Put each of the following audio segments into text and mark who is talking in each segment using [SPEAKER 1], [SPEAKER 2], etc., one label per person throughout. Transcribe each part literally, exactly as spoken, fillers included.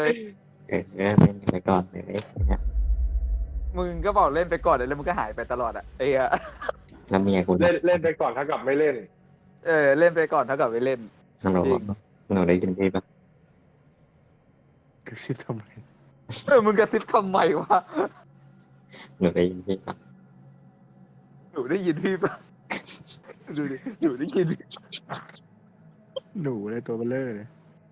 [SPEAKER 1] เลย
[SPEAKER 2] เออเล่นไปก่อนเลยเนี่ย
[SPEAKER 1] มึงก็บอกเล่นไปก่อนเลยแล้วมึงก็หายไปตลอดอ่ะไอ้เหี้ย
[SPEAKER 2] แล้วเมียกู
[SPEAKER 3] เล่นเล่นไปก่อนเท่ากับไม่เล่น
[SPEAKER 1] เออเล่นไปก่อนเท่ากับไม่เล่น
[SPEAKER 2] ฮัลโหล
[SPEAKER 1] จริง
[SPEAKER 2] หนูได้ยินพี่ปะ
[SPEAKER 4] กระซิบทำไม
[SPEAKER 1] เออมึงกระซิบทำไมวะ
[SPEAKER 2] หนูได้ยินพี่ปะ
[SPEAKER 1] หนูได้ยินพี่ปะดูดิหนูได้ยิน
[SPEAKER 4] หนูเลยตัวเบลเลอร์เลย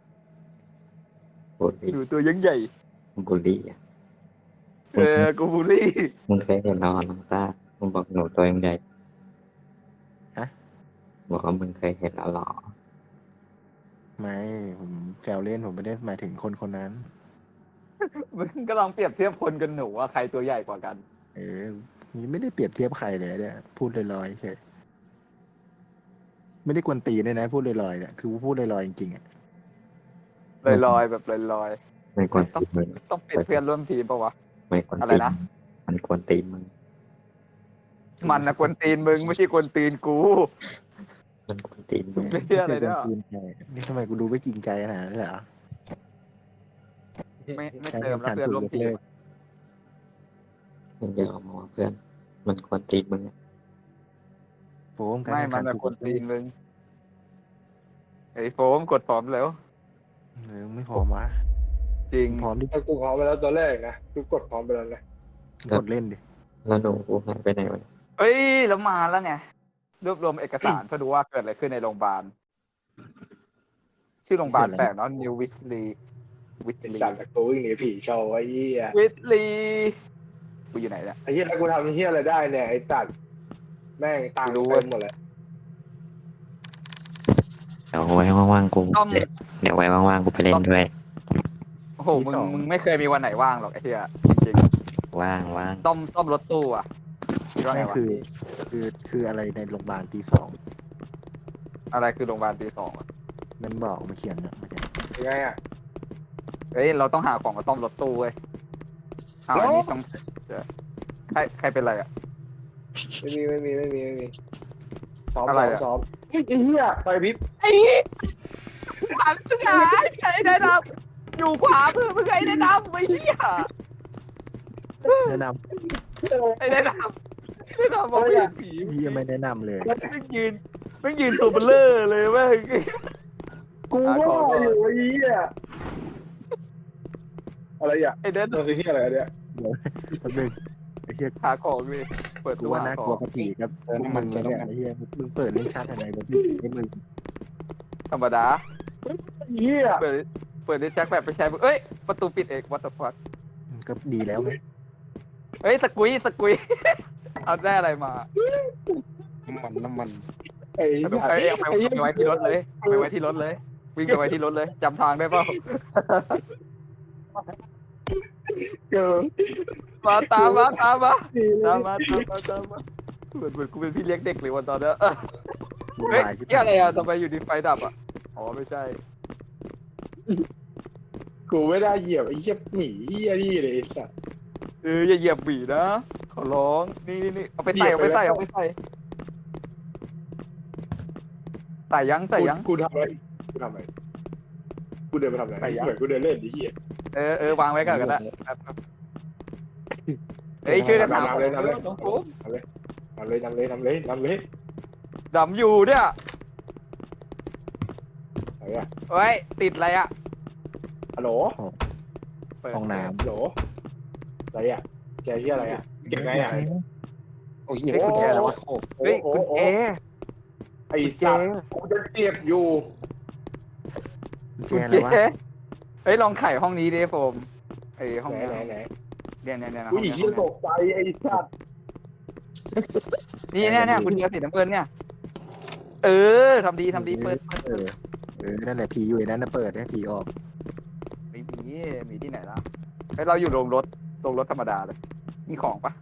[SPEAKER 2] บูลลี่
[SPEAKER 1] หนูตัวยังใหญ่
[SPEAKER 2] บูลลี่อ่ะ
[SPEAKER 1] เออกูบูลลี่
[SPEAKER 2] มึงเคยเห็นน้องน้องซ่ามึงบอกหนูตัวยังใหญ่บอกว่ามึงเคยเห็นแล้วหรอ
[SPEAKER 4] ไม่ผมแซวเล่นผมไม่ได้หมายถึงคนคนนั้น
[SPEAKER 1] มึงก็ลองเปรียบเทียบคนกับหนูว่าใครตัวใหญ่กว่ากัน
[SPEAKER 4] เออนี่ไม่ได้เปรียบเทียบใครเลยเนี่ยพูดลอยๆเฉยไม่ได้กวนตีนเลยนะ พูดลอยๆเนี่ยคือพูดลอยๆจริงๆอ่ะ
[SPEAKER 1] ลอยๆแบบลอย
[SPEAKER 2] ไม่ควรตีมึง
[SPEAKER 1] ๆต้องเป็นเพื่อนร่วมทีมปะวะ
[SPEAKER 2] ไม่ควร
[SPEAKER 1] อะไร
[SPEAKER 2] ตี
[SPEAKER 1] นะ
[SPEAKER 2] มันควรตีมึง
[SPEAKER 1] มันนะกวนตีนมึงไม่ใช่กวนตีนกู
[SPEAKER 2] มันควรตีมึง
[SPEAKER 1] ไม่ใช่อะไรเนี่ย
[SPEAKER 4] จริงใจนี่ทำไมกูดูไม่จริงใจขนาดนั้นเลยเหรอ
[SPEAKER 1] ไม่ไม่เติมแล้วเพื่อนร่วมทีม
[SPEAKER 2] มันจะเอามาว่าเพื่อน มันควรตีมึงอะ
[SPEAKER 4] โฟมการ
[SPEAKER 1] ไม่
[SPEAKER 4] แข่ง
[SPEAKER 1] มั
[SPEAKER 4] ขั
[SPEAKER 1] น
[SPEAKER 4] น
[SPEAKER 1] นะกวนตีนมึงไอ้โฟมกดพร้อมแล้ว
[SPEAKER 4] เออไม่พร้อมวะ
[SPEAKER 1] จริง
[SPEAKER 4] พร้อมดิ
[SPEAKER 3] ถ้ากูพร้อมไปแล้วตัวแรกนะกูกดพร้อมไปแล้วนะ
[SPEAKER 4] กดเล่นดิ
[SPEAKER 2] แล้วหนูกูหายไปไหนวะ
[SPEAKER 1] เอ้ยแล้วมาแล้วไงรวบรวมเอกสารเพื่อดูว่าเกิดอะไรขึ้นในโรงพยาบาลชื่อโรงพยาบาลแปลกเนาะนิววิสลีวิส
[SPEAKER 3] ไอ้
[SPEAKER 1] ลี
[SPEAKER 3] สัตว์แต่กูวิ่งหนีผีโชว์ไอ้เหี้ย
[SPEAKER 1] วิสลีกูอยู่ไหนเนี่ย
[SPEAKER 3] ไอ้เหี้ยแล้วกูทำไอ้เหี้ยอะไรได้เนี่ยไอ้สัตว์แม่งตังค์เต็มหมดเลย
[SPEAKER 2] เดี๋ยวไว้ว่างๆกู
[SPEAKER 1] ต้อม
[SPEAKER 2] เดี๋ยวไว้ว่างๆกูไปเล่นด้วย
[SPEAKER 1] โอ้โหมึงมึงไม่เคยมีวันไหนว่างหรอกไอ้เหี้ยจริง
[SPEAKER 2] ว่างว่าง
[SPEAKER 1] ๆต้อมต้อมรถตู้อ่ะคิดว่าไง
[SPEAKER 4] นี่
[SPEAKER 1] วะ
[SPEAKER 4] คือคือคืออะไรในโรงพยาบาลตีสอง
[SPEAKER 1] อะไรคือโรงพยาบาลตีสองอะ
[SPEAKER 4] มันบอกมาเขียนเนี่ยมาเขียน
[SPEAKER 3] ยังไงอ่ะ
[SPEAKER 1] เฮ้ยเราต้องหาของกับต้อมรถตู้เว้ยเอาอันนี้ต้องเดี๋ยวใครใครเป็นไรอ่ะ
[SPEAKER 3] ไม่มีไม่มีไม่มีไม่มีซ้อม
[SPEAKER 1] อะไร
[SPEAKER 3] ซ้อม
[SPEAKER 1] อะ
[SPEAKER 3] ซ้อมไอ้เหี้ยไฟพริบ
[SPEAKER 1] ไอ้ขวัญเสือไอ้แนะนำอยู่ขวามือมึงไอ้แนะนำไอ้เหี้ย
[SPEAKER 4] แนะน
[SPEAKER 1] ไอ้แนะนำไอ้แนะนำมองไม่เห็นผี
[SPEAKER 4] ำพี่ยังไม่แนะนำเลย
[SPEAKER 1] ไม่ยืนไม่ยืนตัวเบลเลอร์เลยเว้ย
[SPEAKER 3] กูว่าอยู่ไอ้เหี้ยอะไรอ่ะ
[SPEAKER 1] ไอ้แนะ
[SPEAKER 3] มันคือเหี้ยอะไรเนี่ย
[SPEAKER 4] แป๊บนึงไอ้เหี้ย
[SPEAKER 1] หาของเลยเปิด
[SPEAKER 4] กู
[SPEAKER 1] ตู้
[SPEAKER 4] ว่า
[SPEAKER 1] หา
[SPEAKER 4] น่า
[SPEAKER 1] ข
[SPEAKER 4] กลัว
[SPEAKER 1] อง
[SPEAKER 4] กะผีครับพวกมึงเนี่ยไอ้เหี้ยมึงเปิดเล่นชาติอะไรแบบนี้ไอ้มึง
[SPEAKER 1] ธรรมดา
[SPEAKER 3] เหี้ย
[SPEAKER 1] เปิดเปิดได้แจ็คแบบไปใช้มึงเอ้ยประตูปิดเองวัตถุฟัด
[SPEAKER 4] ก็ดีแล้วไง
[SPEAKER 1] เฮ้ยสกุยสกุยเอาได้อะไรมา
[SPEAKER 4] น้ำมันน้ำมัน
[SPEAKER 3] ไอ้
[SPEAKER 1] เอา
[SPEAKER 3] สัต
[SPEAKER 1] ไป
[SPEAKER 3] ว์
[SPEAKER 1] เอาไปไว้ที่รถเลยเอาไปไว้ที่รถเลย วิ่งไปไว้ที่รถเลยจำทางได้เปล่า
[SPEAKER 3] เกิน
[SPEAKER 1] มาตามมาตามมาตามมาตามมาตามมาเหมือนเหมือนกูเป็นพี่เลี้ยงเด็กเลยวันตอนเนี้ยเออ
[SPEAKER 4] วุ่น
[SPEAKER 1] เฮ้ยว
[SPEAKER 4] ายชิบ
[SPEAKER 1] เหี่
[SPEAKER 4] หา
[SPEAKER 1] อะไร
[SPEAKER 4] ย
[SPEAKER 1] อ่ะทำไมอยู่ดีไฟดับอ่ะอ๋อไม่ใช่
[SPEAKER 3] กูไม่ได้เหยียบไอ้เหี้ยหมีเหี้ยนี่เลยไอ้สัตว์
[SPEAKER 1] เอออย่าเหยียบบีนะขอร้องนี่นี่นี่เอาไปใส่เอาไปใส่เอาไปใส่ใส่ยังใส่ยัง
[SPEAKER 3] กูทำอะไรกูทำอะไรกูเดินไปทำอะไร
[SPEAKER 1] ไปยัง
[SPEAKER 3] เหมือนกูเดินเล่นไอ้เหี้ย
[SPEAKER 1] เออเออวางไว้ก่อนก็ได้เอ้ยช่วยกันหาของ
[SPEAKER 3] นำเลยนำเลย
[SPEAKER 1] น้องผม
[SPEAKER 3] นำเลยนำเลยนำเลยนำเลยนำเลย
[SPEAKER 1] ดำอยู่เนี่ย
[SPEAKER 3] ไหนอะ
[SPEAKER 1] เฮ้ยติดอะไรอ่ะ
[SPEAKER 3] ฮัลโหล
[SPEAKER 1] เปิด
[SPEAKER 4] ห้องน้
[SPEAKER 3] ฮัลโหลอะไรอะแกเหี้ยอะไรอะ
[SPEAKER 4] ำ
[SPEAKER 3] เก็บไงอะ
[SPEAKER 4] โอ้ย
[SPEAKER 1] เฮ้ยกุญแจอะไรวะ
[SPEAKER 3] โอ้
[SPEAKER 1] เฮ้ย
[SPEAKER 3] โอ้
[SPEAKER 1] กุญ
[SPEAKER 3] โอ้
[SPEAKER 1] แจ
[SPEAKER 3] ไอ้สัตว์กูจะเก็บอยู่
[SPEAKER 4] กุญแจ
[SPEAKER 1] กุญ
[SPEAKER 4] อะไรวะ
[SPEAKER 1] แจเฮ้ยลองไขห้องนี้ดิโฟมไอ้ห้อง
[SPEAKER 3] ไหน
[SPEAKER 1] นี้
[SPEAKER 3] ไหนไหน
[SPEAKER 1] เนี่ยเนี่ยเนี่ยนะ
[SPEAKER 3] กูอีเหี้ยตกใจไอ้สัตว์
[SPEAKER 1] นี่เนี่ยเนี่ยคุณเดียวสีน้ำเงินเนี่ย เออทำดีทำดีเปิดเปิด
[SPEAKER 4] เออเออนั่นแหละผีอยู่ในนั้นนะเปิดให้ผีออก
[SPEAKER 1] ไม่มีมีที่ไหนล่ะเฮ้ยเราอยู่โรงรถโรงรถธรรมดาเลยมีของปะ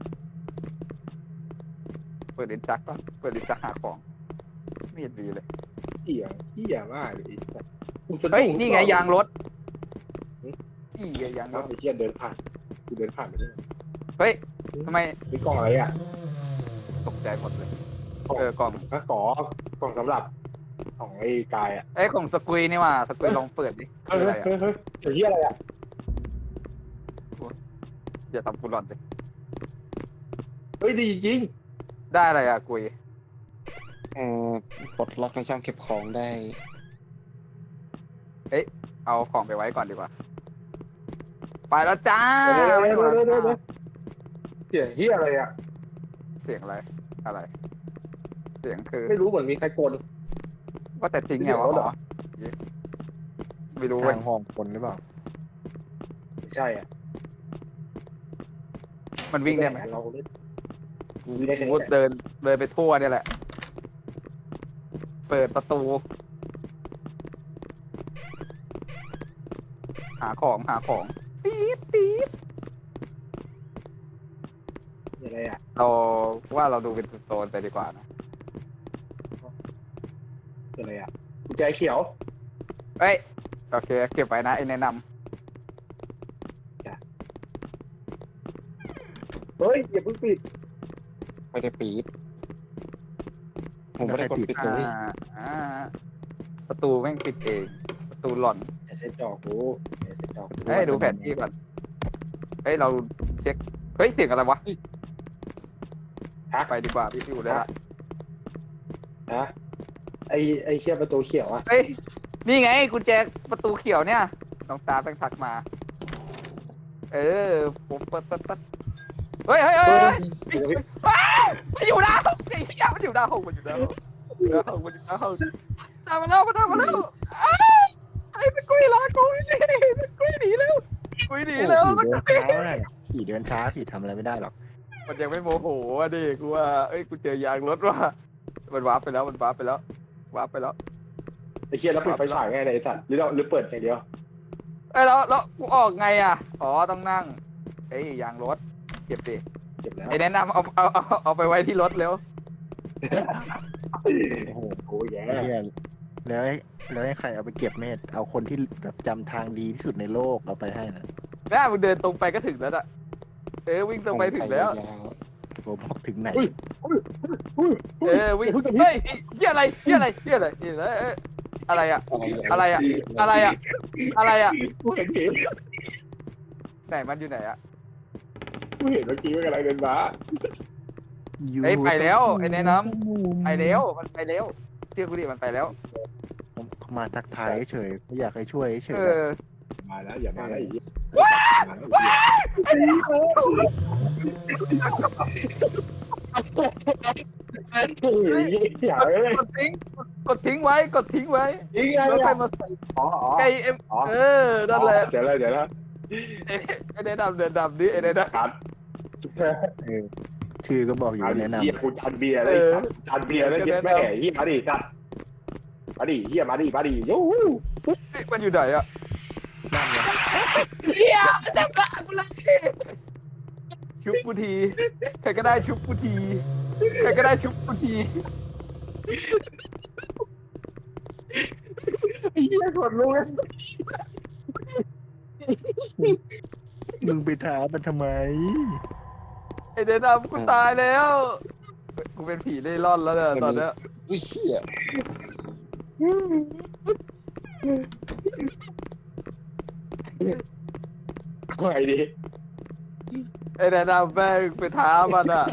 [SPEAKER 1] เปิดลิ้นจักปะเปิดลิ้นจักหาของไม่เห็นดีเลย
[SPEAKER 3] เหี้ยเหี้ยมากเลยไอ้สัตว์กูสะดุ้
[SPEAKER 1] เฮ้ยนี่ไงยางรถนี่ไงยางร
[SPEAKER 3] เอา
[SPEAKER 1] ถ
[SPEAKER 3] ไอ้เหี้ยเดินผ่านกูเดินผ่านไปได้ไง
[SPEAKER 1] เฮ้ยทำไม
[SPEAKER 3] มีกล่องอะไรอะ
[SPEAKER 1] ตกใจหมดเลยเออกล่อง
[SPEAKER 3] ก็กอกล่องสำหรับของไอ้กายอะ
[SPEAKER 1] เอ้ยของสกุยนี่ว่าสกุยลองเปิดดิ
[SPEAKER 3] เฮ้
[SPEAKER 1] คื
[SPEAKER 3] ย
[SPEAKER 1] ออะไร
[SPEAKER 3] เฮ้
[SPEAKER 1] อ่ะ
[SPEAKER 3] ยเฮ้ยเฮ้ยไอ้เหี้ยอะไรอะ
[SPEAKER 1] อย่าทำกูหลอนเลย
[SPEAKER 3] เฮ้ยดีจริง
[SPEAKER 1] ได้อะไรอ่ะกุย
[SPEAKER 4] เอ่อปลดล็อกในช่องเก็บของได้
[SPEAKER 1] เอาของไปไว้ก่อนดีกว่า ไปแล้วจ้า
[SPEAKER 3] เดี๋ยว
[SPEAKER 1] ไม่
[SPEAKER 3] เดี๋ยว
[SPEAKER 1] ดู
[SPEAKER 3] เดี๋ยว
[SPEAKER 1] แล้ว
[SPEAKER 3] เดี๋ยวเดี๋ยวเสียงเฮียอะไรอ่ะ
[SPEAKER 1] เสียงอะไร อะไร เสียงคือ
[SPEAKER 3] ไม่รู้เหมือนมีใครกล
[SPEAKER 1] ว่าแต่ทิ้งไง
[SPEAKER 3] เสียง
[SPEAKER 1] วะ
[SPEAKER 3] รถเหรอ
[SPEAKER 1] ไม่รู้เว้ย
[SPEAKER 4] ทางห้องคนหรือเปล่า
[SPEAKER 3] ไม่ใช่อ่ะ
[SPEAKER 1] มันวิ่งได้ไหม
[SPEAKER 3] เราเล่น
[SPEAKER 1] กู
[SPEAKER 3] วิ่งได้แค่นี้
[SPEAKER 1] กูเดินเดินไปทั่วเนี่ยแหละ เปิดประตู หาของหาของปี๊ดปี๊ด
[SPEAKER 3] อะไรอ่ะ
[SPEAKER 1] เราว่าเราดูเป็นโซนไปดีกว่านะ
[SPEAKER 3] อะไรอ่ะกุญแจเขียว
[SPEAKER 1] เอ้ยโอเคเก็บไว้นะไอ้แนะน
[SPEAKER 3] เฮ้ยอย่าเพิ่งปิด
[SPEAKER 4] ไม่ได้ปีดผมไม่ได้กดปิด
[SPEAKER 1] ำ
[SPEAKER 4] เล
[SPEAKER 1] อ่าย อ่าประตูแม่งปิดเอง ประตูหล่อน
[SPEAKER 3] อย่าเซ็ตจอกูอย่าเซ็ตจอกู
[SPEAKER 1] เฮ้ยดูแผนที่ก่อนเฮ้ยเราเช็คเฮ้ยเสียงอะไรวะ
[SPEAKER 3] ฮะ
[SPEAKER 1] ไปดีกว่าพี่อยู่ได้ละ
[SPEAKER 3] ฮะไอไอเชี่ยประตูเขียวอ่ะ
[SPEAKER 1] เฮ้ยนี่ไงกุญแจประตูเขียวเนี่ยน้องตาแม่งทักมา เออผมเปิดเปิดเปิดเฮ้ยเฮ้ยเฮ้ยเฮ้ย
[SPEAKER 3] เดี๋ยวพี่
[SPEAKER 1] ว้าวมันอยู่หน้าห้องไอ้เหี้ยมันอยู่หน้าห้องมันอยู่หน้าห้องมันอยู่หน้าห้องมันอยู่หน้าห้องตามมาแล้วมาตามมาแล้วอ้าวไอ้เป็นกุ้ยลากุ้ยนี่เป็นกุ้ยหนีแล้วกุ้ยหนีแล้ว
[SPEAKER 4] โอ้
[SPEAKER 1] มัน
[SPEAKER 4] ผี
[SPEAKER 1] กุ้
[SPEAKER 4] เดิ
[SPEAKER 1] ย
[SPEAKER 4] นช้าน่ะผีเดินช้าผีทำอะไรไม่ได้หรอก
[SPEAKER 1] มันยังไม่โมโหอ่ะดิกูว่าเอ้ยกูเจอยางรถว่ะมันวาร์ปไปแล้วมันวาร์ปไปแล้ววาร์ปไปแล้ว
[SPEAKER 3] ไอเชี่ยแล้วปิดไฟฉายไงเนี่ยไอสัตว์หรือเราหรือเปิดอย่างเดียว
[SPEAKER 1] เอ้ยแล้วแล้วกูออกไงอ่ะอ๋อต้องนั่งเอ้ยยางรถเก็บดิ
[SPEAKER 3] เก็บแล้ว
[SPEAKER 1] ไอ้แนะนำเอาเอาเอาเอาไปไว้ที่รถเร็ว
[SPEAKER 4] โอ้โห
[SPEAKER 3] โอ้ยแย่
[SPEAKER 4] เหี้ยแล้วให้แล้วให้ใครเอาไปเก็บเมธเอาคนที่แบบจำทางดีที่สุดในโลกเอาไปให้นะ
[SPEAKER 1] น่ามึงเดินตรงไปก็ถึงแล้วอ่ะเออวิ่งตรงไปถึงแล้ว
[SPEAKER 4] ยาวๆผมบอกถึงไหน
[SPEAKER 1] เออวิ่งเฮ้ยเฮียอะไรเฮียอะไรเฮียอะไรเฮียอะไรเอ้ยอะไรอะอะไรอะอะไรอะอะไรอะ
[SPEAKER 3] กูเห็นเกม
[SPEAKER 1] ไหนมันอยู่ไหนอะ
[SPEAKER 3] กูเห็นเมื่อกี้ว่ากำลังเดินมา
[SPEAKER 1] เฮ้ยไปแล้วไอ้แนะนำไปแล้วมันไปแล้วเชื่อกูดิมันไปแล้ว
[SPEAKER 4] ผมเขามาทักทายเฉยไม่อยากให้ช่วยเฉย
[SPEAKER 1] เออ
[SPEAKER 3] มาแล้วอย่ามาแล้วอีก
[SPEAKER 1] ไอ้นี่
[SPEAKER 3] โอ้ยอย่าเลย
[SPEAKER 1] กดทิ้งกดทิ้งไว้กดทิ้งไว้
[SPEAKER 3] ยิงไง
[SPEAKER 1] แล้ว
[SPEAKER 3] อ่ะ
[SPEAKER 1] ใครมาใส่
[SPEAKER 3] อ๋ออ๋อ
[SPEAKER 1] ไก่เอ็มเออนั่นแหละ
[SPEAKER 3] เดี๋ยวเลยเดี๋ยวเลย
[SPEAKER 1] ไอ้ไอ้แนะนำเดินดำดิไอ้แนะน
[SPEAKER 3] ครับ
[SPEAKER 4] เออชื่อก็บอกอยู่
[SPEAKER 3] เอาดิ
[SPEAKER 4] แนะน
[SPEAKER 3] เฮียกูจานเบียร์เลยสัตว์จานเบียร์แล้วเย็ดแม่เฮียมาดิสัตว์มาดิเฮียมาดิมาดิยู
[SPEAKER 1] ำมันอยู่ไหนอะ
[SPEAKER 4] ำนั่นไง
[SPEAKER 1] เฮียเต็มละกูเลยชุบกูทีใครก็ได้ชุบกูทีใครก็ได้ชุบกูที
[SPEAKER 3] เฮียกดรู้เลย
[SPEAKER 4] มึงไปท้ามันทำไม
[SPEAKER 1] ไอ้แนะนำกูตายแล้วกูเป็นผีเล่ร่อนแล้วเนี่ยตอนเนี้ย
[SPEAKER 4] อุ้ยเหี้ย
[SPEAKER 3] ไงดิ
[SPEAKER 1] ไอ้แนะนำแม่งไปท้ามันอ่ะ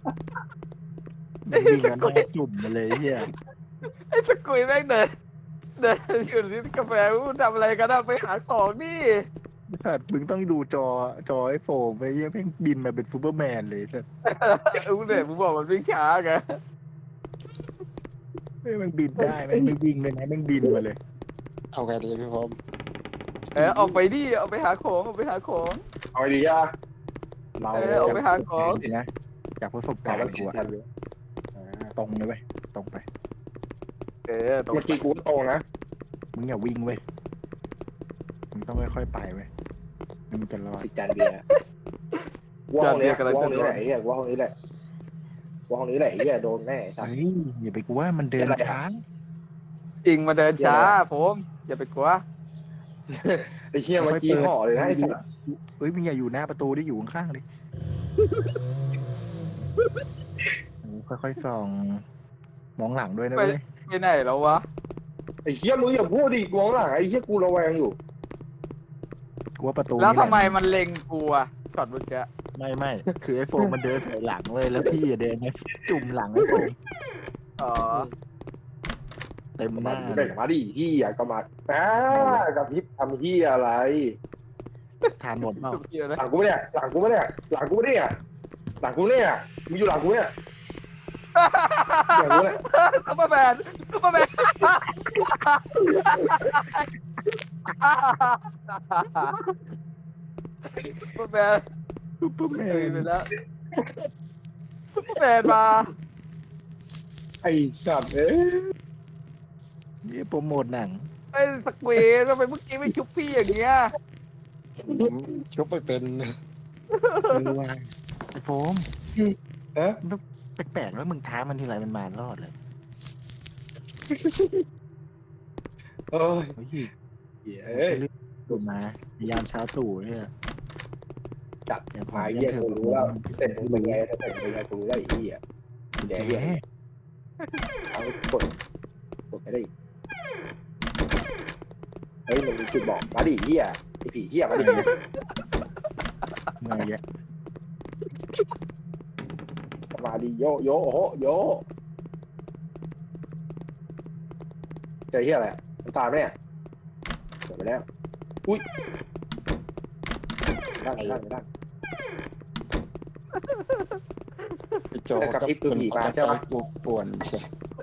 [SPEAKER 4] วิ่งกันหน้าจุ่มมาเลยเหี้ย
[SPEAKER 1] ไอ้สกุยแม่งเดินเดินอยู่ที่กาแฟกูทำอะไรกันอะไปหาของนี่
[SPEAKER 4] สัตว์มึงต้องดูจอจอไอโฟมไปเหี้ยแม่งบินมาเป็นซูเปอร์แมนเลยสัตว์
[SPEAKER 1] กูเนี่ยมึงบอกมันวิ่งช้าไง
[SPEAKER 4] แม่งมันบินได้แม่งไม่วิ่งเลยนะแม่งบินมาเลย เอาไงดีพี่พร้อม
[SPEAKER 1] เออออกไปดิเอาไปหาของเอาไปหาของ
[SPEAKER 3] เอาไงดีอ่ะเรา
[SPEAKER 1] เออเอาไปหาของ
[SPEAKER 4] นะจากประสบการณ์กูอะอ่าตรงเลยเว้ยตรงไป
[SPEAKER 1] เออตรง
[SPEAKER 3] เมื่อกี้กูก็ตรงนะ
[SPEAKER 4] มึงอย่าวิ่งเว้ยมึงต้องค่อยๆไปเว้ยมึงจะรอด
[SPEAKER 3] สิจานเบียร์ว่าห้องนี้ว่าห้องนี้แหละไอ้เหี้ยว่าห้องนี้แหละว่าห้องนี้แหละไอ้เหี้ยโดนแน่สัตว์
[SPEAKER 4] เฮ้ยอย่าไปกลัวมันเดินช้า
[SPEAKER 1] จริงมาเดินช้าผมอย่าไปกลัว
[SPEAKER 3] ไอ้เหี้ยเมื่อกี้ห่อเลยนะไอ้สัตว์
[SPEAKER 4] เฮ้ยมึงอย่าอยู่หน้าประตูได้อยู่ข้างๆดิค่อยๆส่องมองหลังด้วยนะเว้ย
[SPEAKER 1] ไปไหนแล้ววะ
[SPEAKER 3] ไอ้เหี้ยมึงอย่าพูดดิมองหลังไอ้เหี้ยกูระแวงอยู่
[SPEAKER 4] กลัวประตู
[SPEAKER 1] แล้ว
[SPEAKER 4] นี่หะ
[SPEAKER 1] ทำไมมันเล็งกูอะช็อตเมื่อกี้
[SPEAKER 4] ไม่ไม่คือไอ้โฟมมันเดินถอยหลังเลยแล้วพี่อะเดินไปจุ่มหลังไอ้โฟม
[SPEAKER 1] อ๋อ
[SPEAKER 4] เต็มห
[SPEAKER 3] มา
[SPEAKER 4] น้า
[SPEAKER 3] ดิ
[SPEAKER 4] เล
[SPEAKER 3] เด็
[SPEAKER 4] ย
[SPEAKER 3] กมาดิที่อ่ะก็มาอ่ากับพิษทำที่อะไร
[SPEAKER 4] ทานหมดเปล่า
[SPEAKER 1] สุดเกียร์นะ
[SPEAKER 3] หลังกูไม่เนี่ยหลังกูไม่เนี่ยหลังกูไม่เนี่ยหลังกูเนี่ยมึงอยู่หลังกูเนี่ยหลังกูเนี่ย
[SPEAKER 1] ซุปเปอร์แมนซุปเปอร์แมนซุปเปอร์แมน
[SPEAKER 4] ซุปเปอร์แม
[SPEAKER 1] เฮ้ย
[SPEAKER 4] น
[SPEAKER 1] ไปแล้วซุปเปอร์แมนมา
[SPEAKER 3] ไอ้สัตว์เอ้ย
[SPEAKER 4] นี่โปรโมทหนัง
[SPEAKER 1] ไอ้สเกวททำไมเมื่อกี้ไม่ชุบพี่อย่างเงี้ย
[SPEAKER 5] ชุบไปเป็น
[SPEAKER 4] ไม่รู้ว่าไอ้โฟม
[SPEAKER 3] ฮะ
[SPEAKER 4] แปลกๆแล้วมึงท้ามันทีไรมันมารอดเลย
[SPEAKER 3] โอ้ย
[SPEAKER 4] เฮ้ย
[SPEAKER 3] เอ้ย
[SPEAKER 4] เรื่องดูมาพยายามเช้าตู่เนี่ย
[SPEAKER 3] จัด
[SPEAKER 4] อย่าพ
[SPEAKER 3] มาเยี่ยกูรู้แล้วเสร็จมึงเป็นไงเสร็จเป็นไงกูรู้แล้วไอ้เหี้ย
[SPEAKER 4] แก
[SPEAKER 3] เดี๋ยวเหี้ยเอากดกดไม่ได้อีกเฮ้ยมันมีจุดบอกมาดิเหี้ยไอ้ผีเหี้ยมาดิ
[SPEAKER 4] เมื่อยแยะ
[SPEAKER 3] มาดิโยโยโอ้โหโยเจอเหี้ยอะไรมันตายไหมเนี่ยเกิดไปแล้วอุ้ยด้านด้านด้าน
[SPEAKER 5] ไปโจ
[SPEAKER 3] แต่กับพริบคือผีมาใช่ปะ
[SPEAKER 5] ปวดป่วนใช่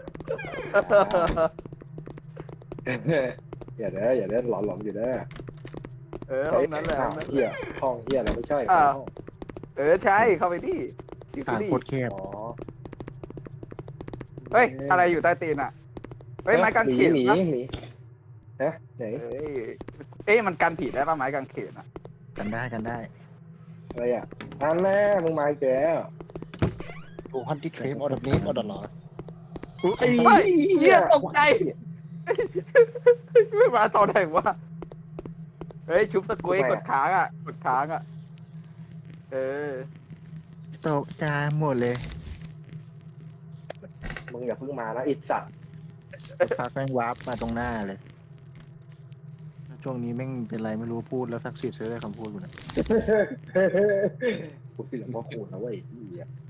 [SPEAKER 3] อย่าเด้ออย่าเด้อหลอนหลอนอยู่เด้อ
[SPEAKER 1] เออห้องนั้นแหละห้องนั้น
[SPEAKER 3] เหี้ยห้องเหี้ยอะไรไม่ใช่
[SPEAKER 1] อ้าว เออใช่เข้าไปดิอยู่
[SPEAKER 4] ทาง
[SPEAKER 1] ที่
[SPEAKER 4] โคตรแคบ
[SPEAKER 3] อ๋อ
[SPEAKER 1] เฮ้ยอะไรอยู่ใต้ตีนอ่ะเฮ้ยไม้กางเขน
[SPEAKER 3] หมี
[SPEAKER 1] นะ
[SPEAKER 3] หมีฮะไหน
[SPEAKER 1] เอ้ยเอ้ยมันกันผีได้ป่ะไม้กางเขนอ่ะ
[SPEAKER 4] กันได้กันได้
[SPEAKER 3] อะไรอ่ะอันแน่มึงมาอีกแล้ว
[SPEAKER 5] ดูฮันที่ทริปออเดอร์นี้ออเดอร์หรอ
[SPEAKER 3] ไอ้
[SPEAKER 1] เฮ้ยเหี้ยตกใจไม่มาตอนไหนวะเฮ้ยชุบสกุยกดค้างอ่ะกดค้างอ่ะเออ
[SPEAKER 4] ตกใจหมดเลย
[SPEAKER 3] มึงอย่าเพิ่งมานะไอิสัตว์
[SPEAKER 4] พักแม่งวาร์ปมาตรงหน้าเลย ช่วงนี้แม่งเป็นไรไม่รู้พูดแล้วสักสิทธิ์เลยคำพูดกูนะ
[SPEAKER 3] กูคิดถึงพ่อคูณนะเว้ยที่อ่ะ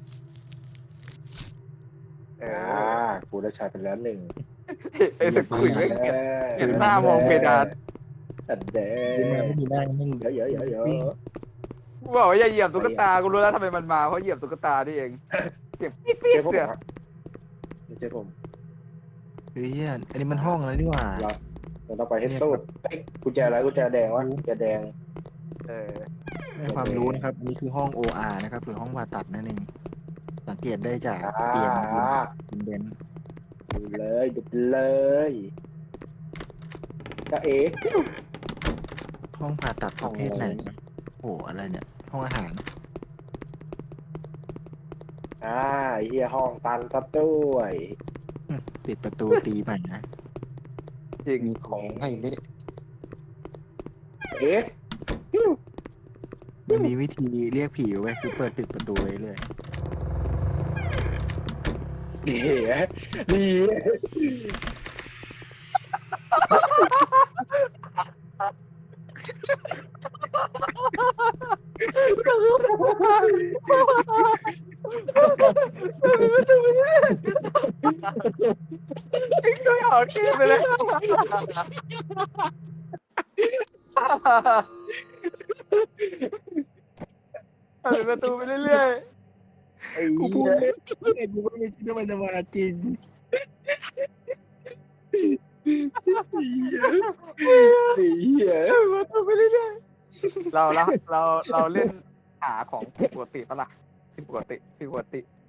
[SPEAKER 1] เอ
[SPEAKER 3] อ่า
[SPEAKER 1] อ
[SPEAKER 3] กูได้ใช้ไปแล้วหนึ่ง
[SPEAKER 1] ไอ้สกุยไม่เก็บ เห็นหน้ามองเพดาน
[SPEAKER 3] อันเด้
[SPEAKER 4] ขึ้นมาไม่มีหน้าแม่ง
[SPEAKER 3] เยอะเยอะเยอะเยอะ
[SPEAKER 1] กูบอกว่าอย่าเหยียบตุ๊กตากูรู้แล้วทำไมมันมาเพราะเหยียบตุ๊กตานี่เองเสียงปิ๊ดปิ๊
[SPEAKER 3] เจ๊
[SPEAKER 1] ด
[SPEAKER 3] ผม
[SPEAKER 1] เนี่ย
[SPEAKER 3] ครับไม่ใช่ผม
[SPEAKER 4] เฮ้ยอันนี้มันห้องแล้วนี่หว่า
[SPEAKER 3] เราเราต้องไปให้สุดเอ้ยกุญแจอะไรกุญแจแดงวะกุญแจแดง
[SPEAKER 1] เออ
[SPEAKER 4] ให้ความรู้นะครับอันนี้คือห้อง โอ อาร์ นะครับหรือห้องผ่าตัดนั่นเองสังเกตได้จากเตียง
[SPEAKER 3] อ่า
[SPEAKER 4] คุณเบน
[SPEAKER 3] ดูเลยดูเลยก็เอ๊ะ
[SPEAKER 4] ห้องผ่าตัดประเภทไหนนะโอ้โหอะไรเนี่ย ห้องอาหาร
[SPEAKER 3] อ่าไอ้เฮียห้องตันซะด้วย
[SPEAKER 4] ติดประตูตีใหม่นะ
[SPEAKER 1] จริง
[SPEAKER 5] มีของให้เล่น
[SPEAKER 3] เอ๊ะ
[SPEAKER 4] มันมีวิธีเรียกผีไว้คือเปิดปิดประตูไว้เลย
[SPEAKER 3] เดี๋ยวดี
[SPEAKER 1] ช่วยออกเกมไปเลยเปิดประตูไปเรื่อย
[SPEAKER 3] ไอ้
[SPEAKER 4] กู
[SPEAKER 3] เหี้
[SPEAKER 4] พูด
[SPEAKER 3] ย
[SPEAKER 4] เล่นแต่กูก็ไม่คิดว่ามันจะมาจริง
[SPEAKER 3] ไอ้เหี้ย
[SPEAKER 1] ๆประตูไปเรื่อยๆเราเราเราเราเล่นหาของผิดปกติปะล่ะผิดปกติผิดปกติ